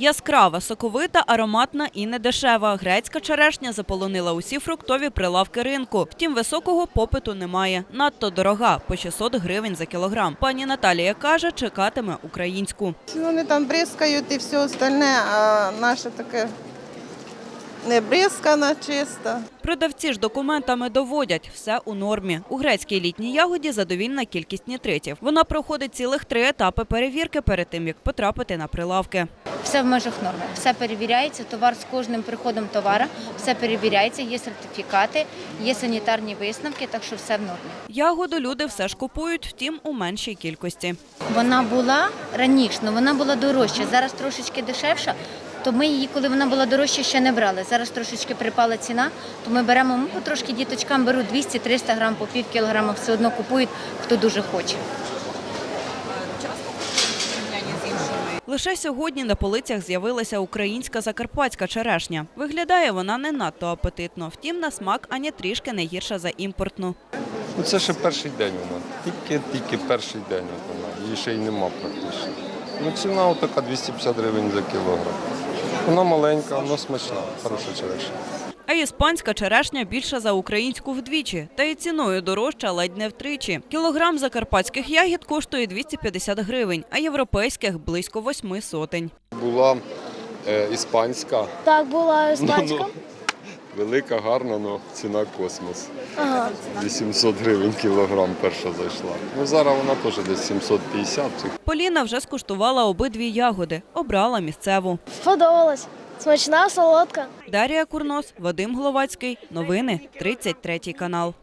Яскрава, соковита, ароматна і недешева. Грецька черешня заполонила усі фруктові прилавки ринку. Втім, високого попиту немає. Надто дорога – по 600 гривень за кілограм. Пані Наталія каже, чекатиме українську. Вони там бризкають і все остальне, а наше таке не бризкана, чисто. Продавці ж документами доводять – все у нормі. У грецькій літній ягоді задовільна кількість нітритів. Вона проходить цілих 3 етапи перевірки перед тим, як потрапити на прилавки. Все в межах норми, все перевіряється, товар з кожним приходом товара, все перевіряється, є сертифікати, є санітарні висновки, так що все в нормі. Ягоду люди все ж купують, втім, у меншій кількості. Вона була раніше, але вона була дорожча, зараз трошечки дешевша, то ми її, коли вона була дорожча, ще не брали. Зараз трошечки припала ціна, то ми беремо, потрошки діточкам беруть 200-300 грам, по пів кілограма, все одно купують, хто дуже хоче. Лише сьогодні на полицях з'явилася українська закарпатська черешня. Виглядає вона не надто апетитно, втім на смак ані трішки не гірша за імпортну. Це ще перший день вона, тільки перший день вона, її ще й нема практично. Ціна така 250 гривень за кілограм. Вона маленька, вона смачна, хороша черешня. А іспанська черешня більша за українську вдвічі, та й ціною дорожча ледь не втричі. Кілограм закарпатських ягід коштує 250 гривень, а європейських – близько 8 сотень. Була іспанська. Так, була іспанська. Велика, гарна, але ціна космос. 800 гривень кілограм перша зайшла. Зараз вона теж десь 750. Поліна вже скуштувала обидві ягоди, обрала місцеву. Сподобалась. Смачна, солодка. Дар'я Курнос, Вадим Гловацький. Новини 33 канал.